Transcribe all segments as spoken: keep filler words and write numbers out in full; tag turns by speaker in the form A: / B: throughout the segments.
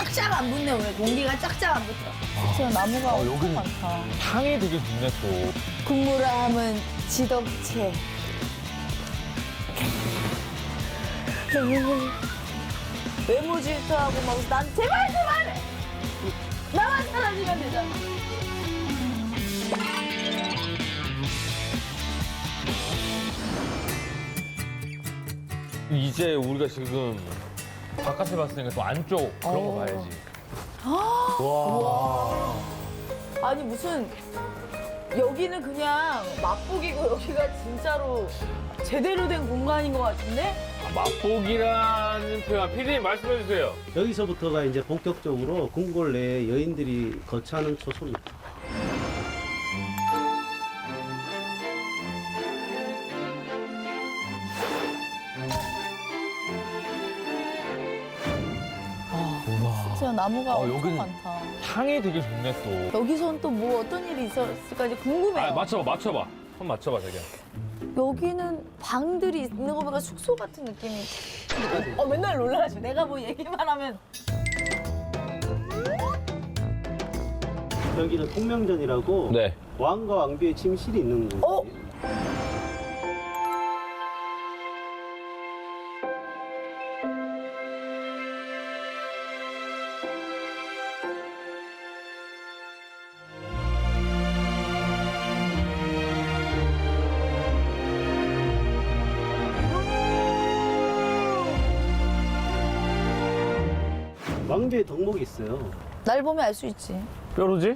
A: 쫙쫙 안 붙네 오늘. 공기가 쫙쫙 안 붙어. 진짜 나무가
B: 아,
A: 엄청
B: 여기는
A: 많다.
B: 향이 되게 좋네 또.
A: 국물함은 지덕체. 외모 질투하고 막 난 제발 제발 나만 사라지면 되잖아.
B: 이제 우리가 지금 바깥을 봤으니까 또 안쪽 그런 거
A: 어.
B: 봐야지. 와.
A: 아니 무슨 여기는 그냥 맛보기고 여기가 진짜로 제대로 된 공간인 것 같은데?
B: 맛보기라는 표현 피디님 말씀해 주세요.
C: 여기서부터가 이제 본격적으로 궁궐 내에 여인들이 거처하는 초소입니다.
A: 진짜 나무가
B: 아,
A: 엄청
B: 여기는-
A: 많다.
B: 향이 되게 좋네 또.
A: 여기선 또 뭐 어떤 일이 있었을까 이제 궁금해요.
B: 아 맞춰봐 맞춰봐. 손 맞춰봐 자기야.
A: 여기는 방들이 있는 거 보니까 숙소 같은 느낌이. 어 맨날 놀라죠. 내가 뭐 얘기만 하면.
C: 여기는 통명전이라고
B: 네.
C: 왕과 왕비의 침실이 있는 곳이에요.
A: 어?
C: 왕비의 덕목이 있어요.
A: 날 보면 알 수 있지.
B: 뾰루지?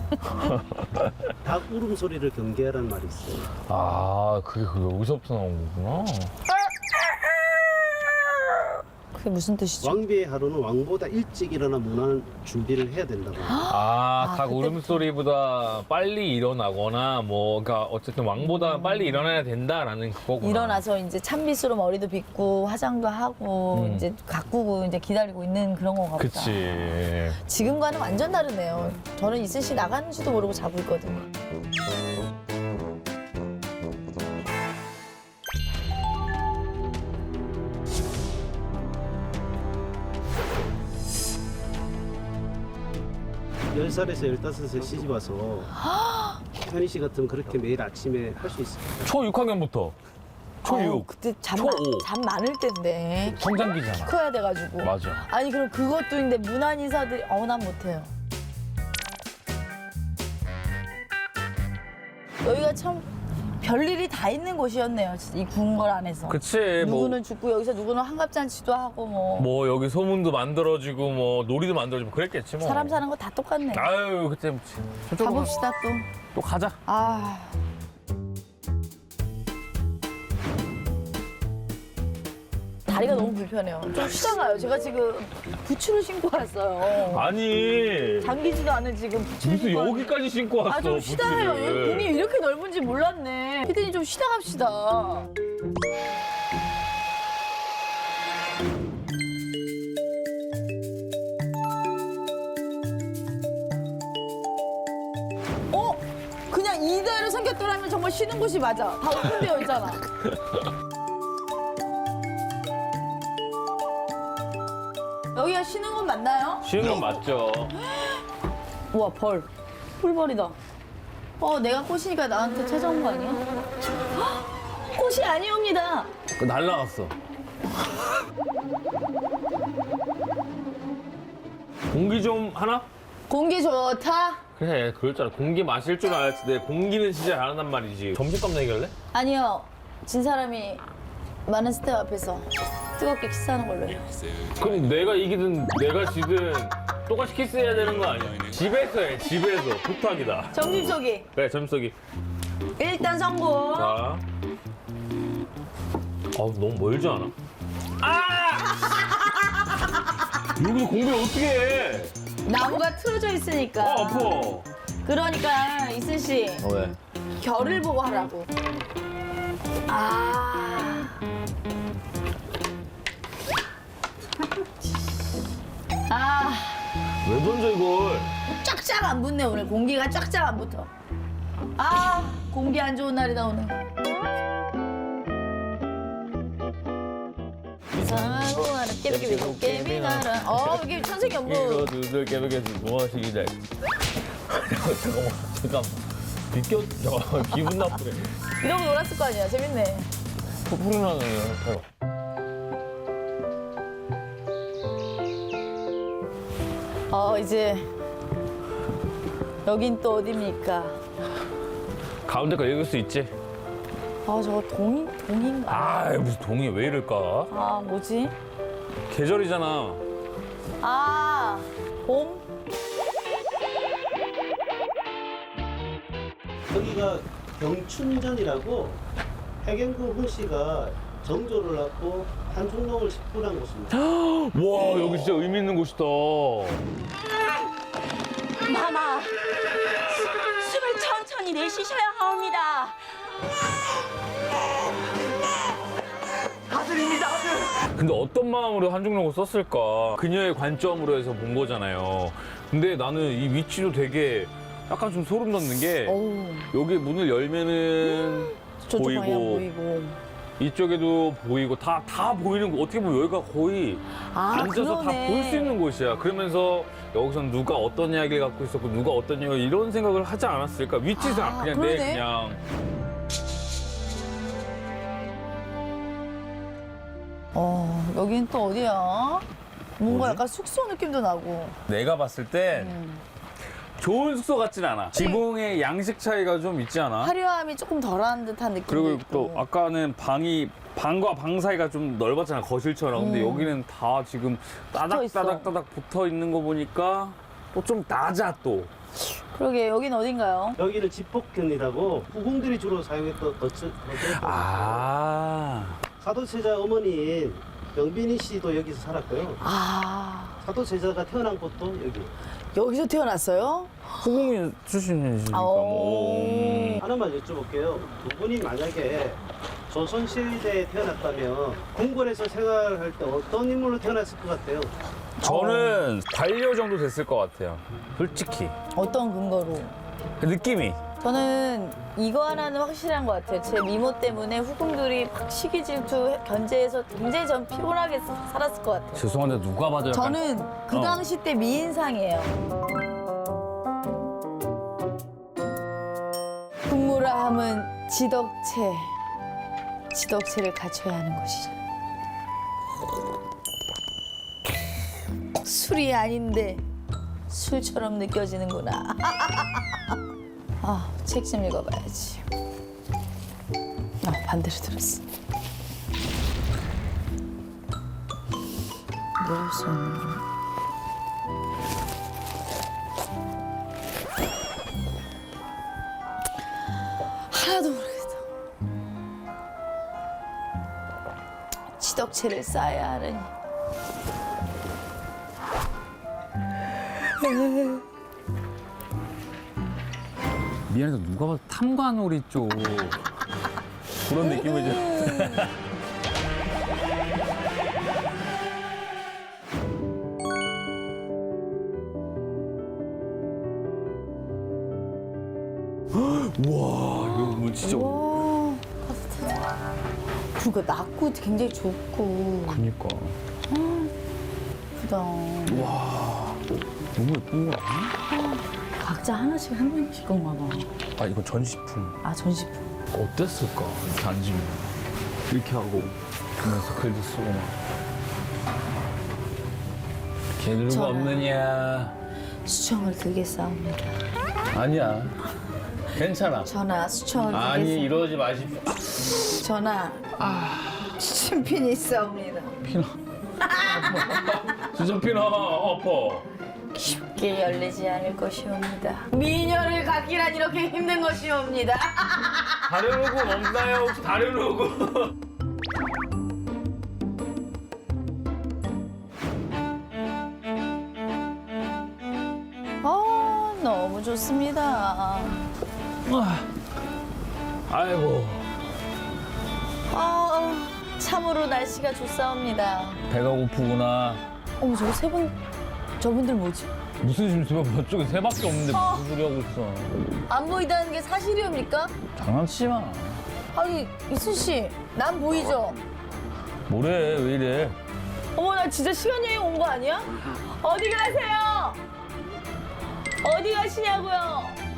C: 닭 울음소리를 경계하라는 말이 있어요.
B: 아 그게 그 여기서부터 나온 거구나.
A: 그게 무슨 뜻이죠?
C: 왕비의 하루는 왕보다 일찍 일어나 문화는 준비를 해야 된다고 합니다.
B: 아,
A: 아,
B: 닭
A: 그때부터.
B: 울음소리보다 빨리 일어나거나 뭐 그러니까 어쨌든 왕보다 빨리 일어나야 된다라는 그거구나.
A: 일어나서 이제 찬빗으로 머리도 빗고 화장도 하고
B: 음.
A: 이제 가꾸고 이제 기다리고 있는 그런 건가 보다.
B: 그치.
A: 지금과는 완전 다르네요. 저는 이슬 씨 나가는지도 모르고 자고 있거든요.
C: 열 살에서 열다섯 살 시집 와서 현희 씨 같으면 그렇게 매일 아침에 할 수 있어요.
B: 초 육 학년부터. 초
A: 아우,
B: 육.
A: 그때 잠,
B: 초
A: 마-
B: 오.
A: 잠 많을 때인데
B: 성장기잖아.
A: 커야 돼가지고.
B: 맞아.
A: 아니 그럼 그것도 있는데 문안 인사들이 어 난 못해요. 여기가 참 별일이 다 있는 곳이었네요. 진짜 이 궁궐 안에서.
B: 그치. 뭐,
A: 누구는 죽고 여기서 누구는 환갑잔치도 하고 뭐,
B: 뭐 여기 소문도 만들어지고 뭐 놀이도 만들어지고 그랬겠지 뭐.
A: 사람 사는 거 다 똑같네.
B: 아유 그때 뭐 저쪽으로
A: 가봅시다 또.
B: 또 가자.
A: 아. 다리가 너무 불편해요. 좀 쉬다 가요. 제가 지금 부츠를 신고 왔어요.
B: 아니
A: 잠기지도 않은 지금 부츠를
B: 무슨
A: 신고 왔는데.
B: 여기까지 신고 왔어.
A: 아, 좀 쉬다 해요.
B: 부츠를.
A: 여기 공이 이렇게 넓은지 몰랐네. 피디님 좀 쉬다 갑시다. 어? 그냥 이대로 생겼더라면 정말 쉬는 곳이 맞아. 다 오픈되어 있잖아. 여기가 쉬는 곳 맞나요?
B: 쉬는 건 맞죠.
A: 우와 벌. 풀벌이다. 어 내가 꽃이니까 나한테 찾아온 거 아니야? 헉! 꽃이 아니옵니다.
B: 그 날라갔어. 공기 좀 하나?
A: 공기 좋다.
B: 그래 그럴 줄 알아. 공기 마실 줄 알았지. 내 공기는 진짜 잘한단 말이지. 점심값 내길래?
A: 아니요. 진 사람이 많은 스텝 앞에서 뜨겁게 키스하는 걸로 해요.
B: 그럼 내가 이기든 내가 지든 똑같이 키스해야 되는 거 아니야? 집에서 해 집에서. 부탁이다.
A: 점심 쏘기.
B: 그래 점석이.
A: 일단 성공.
B: 자. 아 너무 멀지 않아? 아! 여기서 공부 어떻게 해?
A: 나무가 틀어져 있으니까.
B: 아 아파.
A: 그러니까 이슬 씨
B: 어, 왜?
A: 결을 보고 하라고. 아. 아.
B: 왜 던져 이걸?
A: 쫙쫙 안 붙네 오늘. 공기가 쫙쫙 안 붙어. 아 공기 안 좋은 날이다 오늘. 이상하고 하는 깨비깨비 깨비가 사랑. 어, 이게 천생이
B: 이거
A: 업무.
B: 두들 깨벽에서 무엇이기 잘. 잠깐만, 잠깐만. 비껴, 잠깐만, 기분 나쁘네.
A: 이러고 놀았을 거 아니야. 재밌네.
B: 소리 나네요.
A: 어, 이제 여긴 또 어디입니까?
B: 가운데 거 읽을 수 있지?
A: 아, 저거 동인 동인가?
B: 아, 무슨 동이 왜 이럴까?
A: 아, 뭐지?
B: 계절이잖아.
A: 아, 봄?
C: 여기가 경춘전이라고 해경궁 훈씨가 정조를 낳고 한중동을 식불한 곳입니다.
B: 와, 여기 진짜 의미 있는 곳이다.
D: 마마, 수- 숨을 천천히 내쉬셔야 하옵니다.
B: 근데 어떤 마음으로 한중록을 썼을까? 그녀의 관점으로 해서 본 거잖아요. 근데 나는 이 위치도 되게 약간 좀 소름 돋는 게
A: 어우,
B: 여기 문을 열면은
A: 저쪽
B: 보이고,
A: 방향 보이고.
B: 이쪽에도 보이고 다, 다 보이는 거. 어떻게 보면 여기가 거의
A: 아,
B: 앉아서 다
A: 그러네.
B: 볼 수 있는 곳이야. 그러면서 여기선 누가 어떤 이야기를 갖고 있었고 누가 어떤 이야기 이런 생각을 하지 않았을까? 위치상
A: 아,
B: 그냥 내
A: 그러네.
B: 그냥
A: 어, 여긴 또 어디야? 뭔가
B: 뭐지?
A: 약간 숙소 느낌도 나고.
B: 내가 봤을 땐
A: 음.
B: 좋은 숙소 같진 않아. 지붕의 양식 차이가 좀 있지 않아?
A: 화려함이 조금 덜한 듯한 느낌도
B: 그리고
A: 있고.
B: 또 아까는 방이 방과 방 사이가 좀 넓었잖아, 거실처럼. 근데
A: 음.
B: 여기는 다 지금 따닥
A: 있어.
B: 따닥 따닥 붙어 있는 거 보니까 또 좀 낮아 또.
A: 그러게, 여긴 어딘가요?
C: 여기는 집복현이라고 후궁들이 주로 사용했던 거처.
B: 아.
C: 사도세자 어머니인 영빈이 씨도 여기서 살았고요.
A: 아,
C: 사도세자가 태어난 곳도 여기.
A: 여기서 태어났어요?
B: 후궁이 출신이시니까
A: 아,
B: 뭐. 음.
C: 하나만 여쭤볼게요. 두 분이 만약에 조선시대에 태어났다면 궁궐에서 생활할 때 어떤 인물로 태어났을 것 같아요?
B: 저는 반려 정도 됐을 것 같아요. 솔직히.
A: 어떤 근거로?
B: 그 느낌이.
A: 저는 이거 하나는 확실한 것 같아요. 제 미모 때문에 후궁들이 막 시기 질투 견제해서 굉장히 전 피곤하게 살았을 것 같아요.
B: 죄송한데 누가 봐도 약간
A: 저는 그
B: 어.
A: 당시 때 미인상이에요. 국무라 함은 지덕체, 지덕체를 갖춰야 하는 것이죠. 술이 아닌데 술처럼 느껴지는구나. 아, 책 좀 읽어봐야지. 아, 반대로 들었어. 모를 수 없는 거. 하나도 모르겠다. 지덕체를 쌓아야 하느니.
B: 미안해서 누가 봐도 탐관오리 쪽 그런 느낌이죠. 우와, 이거 뭐 진짜.
A: 와, 따뜻하다. 그러니까 낮고 굉장히 좁고
B: 그니까.
A: 예쁘다.
B: 너무 예쁜 거 아니야?
A: 각자 하나씩 한 명씩 건가 봐.
B: 아, 이건 전시품.
A: 아, 전시품.
B: 어땠을까? 이렇게 앉으면. 이렇게 하고, 보면서 글도 쓰고 막. 개들고
A: 저는-
B: 없느냐.
A: 수청을 들겠사옵니다.
B: 아니야. 괜찮아.
A: 전하, 수청을
B: 아니,
A: 들겠사옵니다.
B: 이러지 마십시오.
A: 전하, 수침핀이 있사옵니다.
B: 피나. 진짜 피나, 엎어.
A: 쉽게 열리지 않을 것이옵니다. 미녀를 갖기란 이렇게 힘든 것이옵니다.
B: 다른 후구 없나요? 혹시 다른 후구?
A: 아, 너무 좋습니다.
B: 아이고,
A: 아, 참으로 날씨가 좋사옵니다.
B: 배가 고프구나.
A: 어머, 저거 세 분, 저분들 뭐지?
B: 무슨 심수가 저쪽에 새밖에 없는데
A: 어.
B: 무슨 소리 하고 있어.
A: 안 보인다는 게 사실이옵니까?
B: 장난치지 마.
A: 아니, 이순 씨, 난 보이죠?
B: 뭐래, 왜 이래.
A: 어머, 나 진짜 시간 여행 온 거 아니야? 어디 가세요? 어디 가시냐고요?